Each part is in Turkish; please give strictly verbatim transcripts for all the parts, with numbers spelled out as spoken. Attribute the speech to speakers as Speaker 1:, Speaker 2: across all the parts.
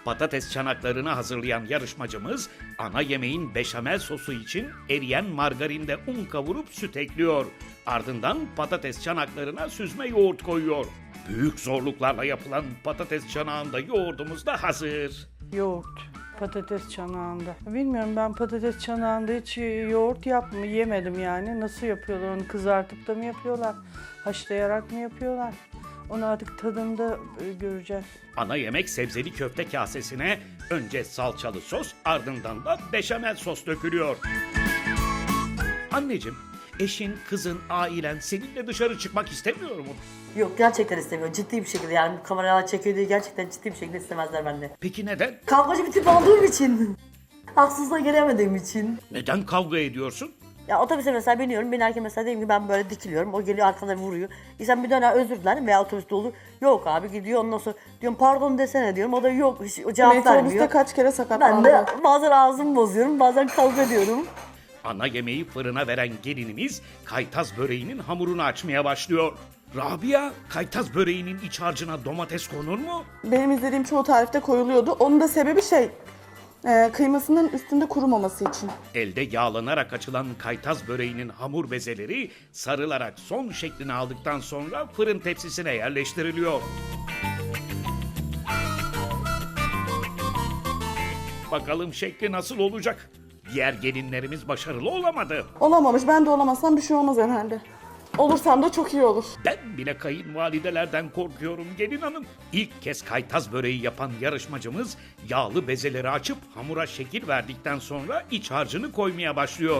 Speaker 1: Patates çanaklarını hazırlayan yarışmacımız ana yemeğin beşamel sosu için eriyen margarinde un kavurup süt ekliyor. Ardından patates çanaklarına süzme yoğurt koyuyor. Büyük zorluklarla yapılan patates çanağında yoğurdumuz da hazır.
Speaker 2: Yoğurt, patates çanağında. Bilmiyorum, ben patates çanağında hiç yoğurt yapma, yemedim yani. Nasıl yapıyorlar onu, kızartıp da mı yapıyorlar, haşlayarak mı yapıyorlar? Onu artık tadında e, göreceğiz.
Speaker 1: Ana yemek sebzeli köfte kasesine önce salçalı sos, ardından da beşamel sos dökülüyor. Anneciğim, eşin, kızın, ailen seninle dışarı çıkmak istemiyor mu?
Speaker 3: Yok, gerçekten istemiyor. Ciddi bir şekilde, yani bu kameralar çekiyor diye gerçekten ciddi bir şekilde istemezler bende.
Speaker 1: Peki neden?
Speaker 3: Kavgacı bir tip olduğum için. Haksızlığa gelemediğim için.
Speaker 1: Neden kavga ediyorsun?
Speaker 3: Ya otobüse mesela biniyorum, binerken mesela diyelim ki ben böyle dikiliyorum, o geliyor arkadan vuruyor. İnsan bir döner özür dilerim veya otobüste olur. Yok abi gidiyor, ondan sonra diyorum pardon desene diyorum, o da yok, hiç o cevap
Speaker 4: Metrobüste
Speaker 3: vermiyor.
Speaker 4: kaç kere
Speaker 3: Ben
Speaker 4: sakatlandı.
Speaker 3: de bazen ağzımı bozuyorum, bazen kavga ediyorum.
Speaker 1: Ana yemeği fırına veren gelinimiz kaytaz böreğinin hamurunu açmaya başlıyor. Rabia, kaytaz böreğinin iç harcına domates konur mu?
Speaker 4: Benim izlediğim çoğu tarifte koyuluyordu. Onun da sebebi şey, e, kıymasının üstünde kurumaması için.
Speaker 1: Elde yağlanarak açılan kaytaz böreğinin hamur bezeleri sarılarak son şeklini aldıktan sonra fırın tepsisine yerleştiriliyor. Bakalım şekli nasıl olacak? Diğer gelinlerimiz başarılı olamadı.
Speaker 4: Olamamış, ben de olamazsam bir şey olmaz herhalde. Olursam da çok iyi olur.
Speaker 1: Ben bile kayınvalidelerden korkuyorum gelin hanım. İlk kez kaytaz böreği yapan yarışmacımız yağlı bezeleri açıp hamura şekil verdikten sonra iç harcını koymaya başlıyor.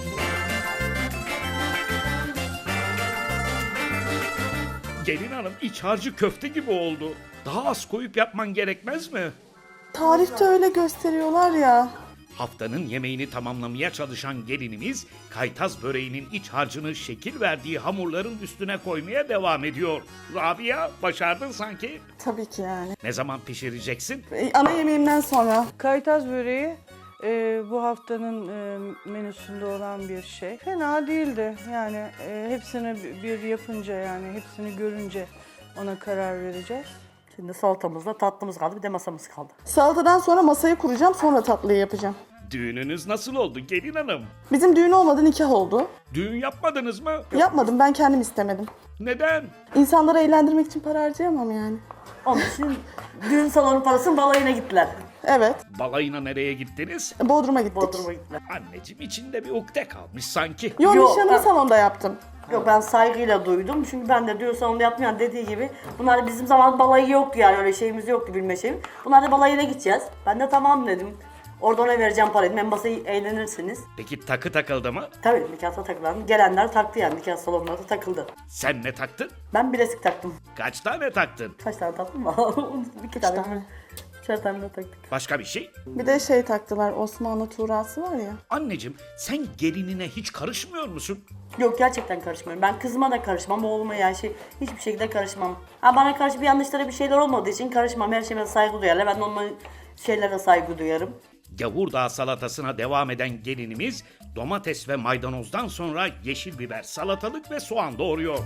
Speaker 1: Gelin hanım, iç harcı köfte gibi oldu. Daha az koyup yapman gerekmez mi?
Speaker 4: Tarifte öyle gösteriyorlar ya.
Speaker 1: Haftanın yemeğini tamamlamaya çalışan gelinimiz kaytaz böreğinin iç harcını şekil verdiği hamurların üstüne koymaya devam ediyor. Rabia, başardın sanki.
Speaker 4: Tabii ki yani.
Speaker 1: Ne zaman pişireceksin?
Speaker 4: E, ana yemeğimden sonra.
Speaker 2: Kaytaz böreği e, bu haftanın e, menüsünde olan bir şey. Fena değildi yani, e, hepsini bir yapınca, yani hepsini görünce ona karar vereceğiz.
Speaker 3: Şimdi salatamızla tatlımız kaldı, bir de masamız kaldı.
Speaker 4: Salatadan sonra masayı kuracağım, sonra tatlıyı yapacağım.
Speaker 1: Düğününüz nasıl oldu gelin hanım?
Speaker 4: Bizim düğün olmadı, nikah oldu.
Speaker 1: Düğün yapmadınız mı?
Speaker 4: Yapmadım, ben kendim istemedim.
Speaker 1: Neden?
Speaker 4: İnsanları eğlendirmek için para harcayamam yani.
Speaker 3: Onun için düğün salonu parasının balayına gittiler.
Speaker 4: Evet,
Speaker 1: Balayına nereye gittiniz?
Speaker 4: Bodrum'a gittik.
Speaker 3: Bodrum'a gittiler.
Speaker 1: Anneciğim, içinde bir ukde kalmış sanki.
Speaker 4: Yo,
Speaker 3: Yo,
Speaker 4: nişanımı
Speaker 3: ben-
Speaker 4: salonda yaptım.
Speaker 3: Yok, ben saygıyla duydum çünkü ben de düğün salonunda yapmayan dediği gibi bunlar bizim zaman balayı yoktu, yani öyle şeyimiz yoktu, bilme şeyim. Bunlar da balayına gideceğiz. Ben de tamam dedim. Orada ona vereceğim parayı, hem masayı eğlenirsiniz.
Speaker 1: Peki takı takıldı mı?
Speaker 3: Tabii nikahta takılan gelenler taktı, yani nikah salonunda da takıldı.
Speaker 1: Sen ne taktın?
Speaker 3: Ben bilezik taktım.
Speaker 1: Kaç tane taktın?
Speaker 3: Kaç tane taktım mı? İki tane.
Speaker 4: tane.
Speaker 3: Üçer tane de taktık.
Speaker 1: Başka bir şey?
Speaker 4: Bir de şey taktılar, Osmanlı tuğrası var ya.
Speaker 1: Anneciğim, sen gelinine hiç karışmıyor musun?
Speaker 3: Yok, gerçekten karışmıyorum. Ben kızıma da karışmam, oğluma yani şey hiçbir şekilde karışmam. Ha, bana karşı bir yanlışlara bir şeyler olmadığı için karışmam. Her şeyime saygı duyarlar. Ben de onların şeylere saygı duyarım.
Speaker 1: Gavurdağ salatasına devam eden gelinimiz domates ve maydanozdan sonra yeşil biber, salatalık ve soğan doğruyor.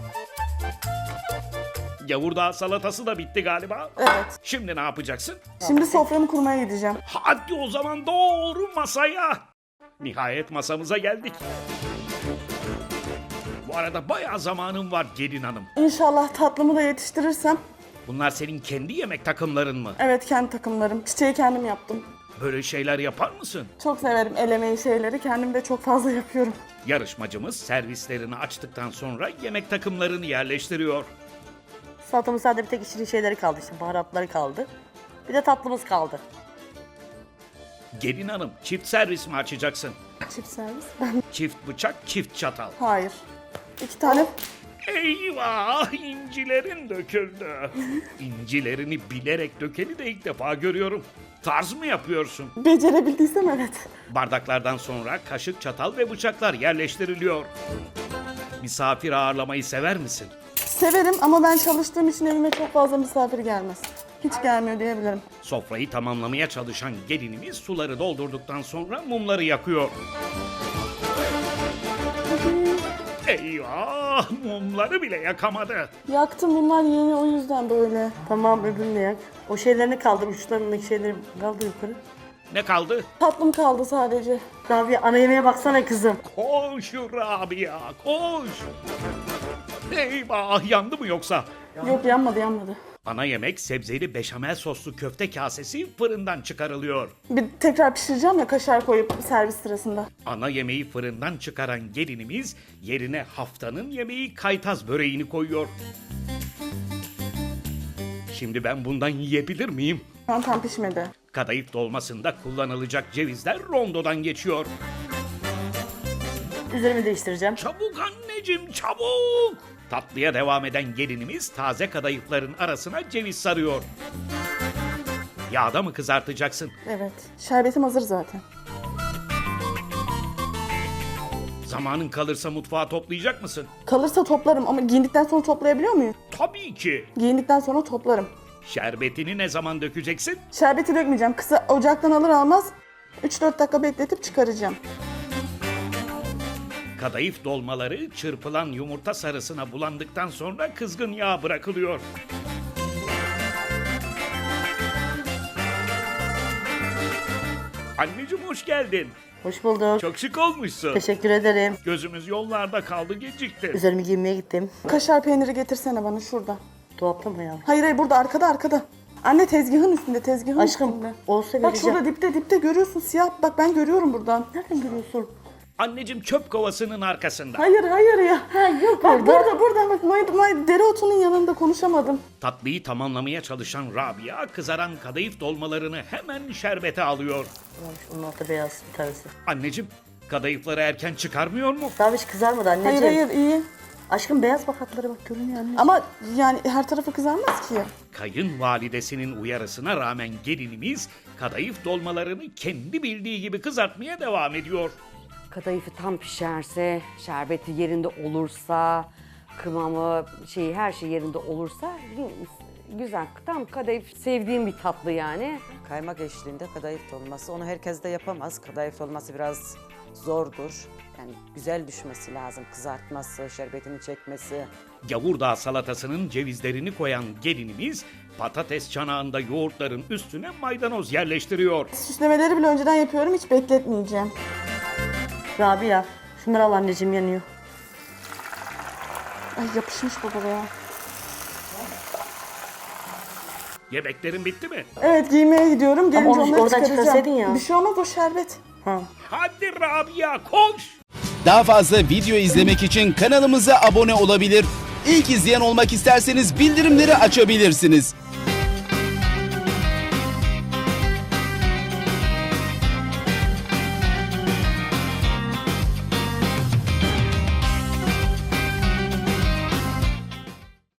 Speaker 1: Gavurdağ salatası da bitti galiba.
Speaker 4: Evet.
Speaker 1: Şimdi ne yapacaksın?
Speaker 4: Şimdi soframı kurmaya gideceğim.
Speaker 1: Hadi o zaman doğru masaya. Nihayet masamıza geldik. Bu arada bayağı zamanın var gelin hanım.
Speaker 4: İnşallah tatlımı da yetiştirirsem.
Speaker 1: Bunlar senin kendi yemek takımların mı?
Speaker 4: Evet, kendi takımlarım. Çiçeği kendim yaptım.
Speaker 1: Böyle şeyler yapar mısın?
Speaker 4: Çok severim el emeği şeyleri. Kendim de çok fazla yapıyorum.
Speaker 1: Yarışmacımız servislerini açtıktan sonra yemek takımlarını yerleştiriyor.
Speaker 3: Salatamın sadece bir tek içli şeyleri kaldı, işte baharatları kaldı. Bir de tatlımız kaldı.
Speaker 1: Gelin hanım, çift servis mi açacaksın?
Speaker 4: Çift servis. Ben...
Speaker 1: Çift bıçak, çift çatal.
Speaker 4: Hayır. İki tane.
Speaker 1: Eyvah, incilerin döküldü. İncilerini bilerek dökeni de ilk defa görüyorum. Tarz mı yapıyorsun?
Speaker 4: Becerebildiysem evet.
Speaker 1: Bardaklardan sonra kaşık, çatal ve bıçaklar yerleştiriliyor. Misafir ağırlamayı sever misin?
Speaker 4: Severim ama ben çalıştığım için evime çok fazla misafir gelmez. Hiç gelmiyor diyebilirim.
Speaker 1: Sofrayı tamamlamaya çalışan gelinimiz suları doldurduktan sonra mumları yakıyor. Eyvah! Ah, mumları bile yakamadı.
Speaker 4: Yaktım, bunlar yeni, o yüzden böyle.
Speaker 3: Tamam, öbürünü yak. O şeylerini kaldır, uçlarındaki şeyleri kaldır yukarı.
Speaker 1: Ne kaldı?
Speaker 4: Tatlım kaldı sadece.
Speaker 3: Rabia, ana yemeğe baksana kızım.
Speaker 1: Koş Rabia, koş. Eyvah, yandı mı yoksa?
Speaker 4: Yok, yanmadı yanmadı.
Speaker 1: Ana yemek sebzeli beşamel soslu köfte kasesi fırından çıkarılıyor.
Speaker 4: Bir tekrar pişireceğim ya, kaşar koyup servis sırasında.
Speaker 1: Ana yemeği fırından çıkaran gelinimiz yerine haftanın yemeği kaytaz böreğini koyuyor. Şimdi ben bundan yiyebilir miyim?
Speaker 4: Şu an tam pişmedi.
Speaker 1: Kadayıf dolmasında kullanılacak cevizler rondodan geçiyor.
Speaker 3: Üzerimi değiştireceğim.
Speaker 1: Çabuk anneciğim, çabuk! Tatlıya devam eden gelinimiz taze kadayıfların arasına ceviz sarıyor. Yağda mı kızartacaksın?
Speaker 4: Evet. Şerbetim hazır zaten.
Speaker 1: Zamanın kalırsa mutfağı toplayacak mısın?
Speaker 4: Kalırsa toplarım ama giyindikten sonra toplayabiliyor muyum?
Speaker 1: Tabii ki.
Speaker 4: Giyindikten sonra toplarım.
Speaker 1: Şerbetini ne zaman dökeceksin?
Speaker 4: Şerbeti dökmeyeceğim. Kısa ocaktan alır almaz üç dört dakika bekletip çıkaracağım.
Speaker 1: Kadayıf dolmaları çırpılan yumurta sarısına bulandıktan sonra kızgın yağ bırakılıyor. Anneciğim hoş geldin.
Speaker 3: Hoş bulduk.
Speaker 1: Çok şık olmuşsun.
Speaker 3: Teşekkür ederim.
Speaker 1: Gözümüz yollarda kaldı, gecikti.
Speaker 3: Üzerimi giymeye gittim.
Speaker 4: Kaşar peyniri getirsene bana şurada.
Speaker 3: Dolapta mı ya?
Speaker 4: Hayır hayır, burada arkada arkada. Anne tezgahın üstünde, tezgahın
Speaker 3: Aşkım,
Speaker 4: üstünde.
Speaker 3: olsa
Speaker 4: Bak
Speaker 3: vereceğim.
Speaker 4: şurada dipte dipte görüyorsun, siyah. Bak ben görüyorum buradan.
Speaker 3: Nereden görüyorsun?
Speaker 1: Anneciğim çöp kovasının arkasında.
Speaker 4: Hayır hayır ya.
Speaker 3: Ha, yok
Speaker 4: Bak
Speaker 3: orada.
Speaker 4: burada burada bak, may, may, dereotunun yanında, konuşamadım.
Speaker 1: Tatlıyı tamamlamaya çalışan Rabia kızaran kadayıf dolmalarını hemen şerbete alıyor.
Speaker 3: Onun altı beyaz bir tanesi.
Speaker 1: Anneciğim kadayıfları erken çıkarmıyor mu?
Speaker 3: Daha hiç kızarmadı anneciğim.
Speaker 4: Hayır hayır, iyi.
Speaker 3: Aşkım beyaz bak, hatları bak, görünüyor anne.
Speaker 4: Ama yani her tarafı kızarmaz ki.
Speaker 1: Kayınvalidesinin uyarısına rağmen gelinimiz kadayıf dolmalarını kendi bildiği gibi kızartmaya devam ediyor.
Speaker 5: Kadayıfı tam pişerse, şerbeti yerinde olursa, kıvamı, şeyi, her şey yerinde olursa güzel. Tam kadayıf sevdiğim bir tatlı yani.
Speaker 6: Kaymak eşliğinde kadayıf dolması. Onu herkes de yapamaz. Kadayıf dolması biraz zordur. Yani güzel düşmesi lazım. Kızartması, şerbetini çekmesi.
Speaker 1: Gavurdağ salatasının cevizlerini koyan gelinimiz patates çanağında yoğurtların üstüne maydanoz yerleştiriyor.
Speaker 4: Süslemeleri bile önceden yapıyorum, hiç bekletmeyeceğim.
Speaker 3: Rabia, şunları al anneciğim, yanıyor.
Speaker 4: Ay yapışmış baba ya.
Speaker 1: Yemeklerin bitti mi?
Speaker 4: Evet, giymeye gidiyorum. Gelince
Speaker 3: onu
Speaker 4: onları
Speaker 3: oradan
Speaker 4: çıkaracağım.
Speaker 3: çıkarsaydın ya.
Speaker 4: Bir şey olmaz, o şerbet.
Speaker 3: Ha.
Speaker 1: Hadi Rabia koş!
Speaker 7: Daha fazla video izlemek için kanalımıza abone olabilir. İlk izleyen olmak isterseniz bildirimleri açabilirsiniz.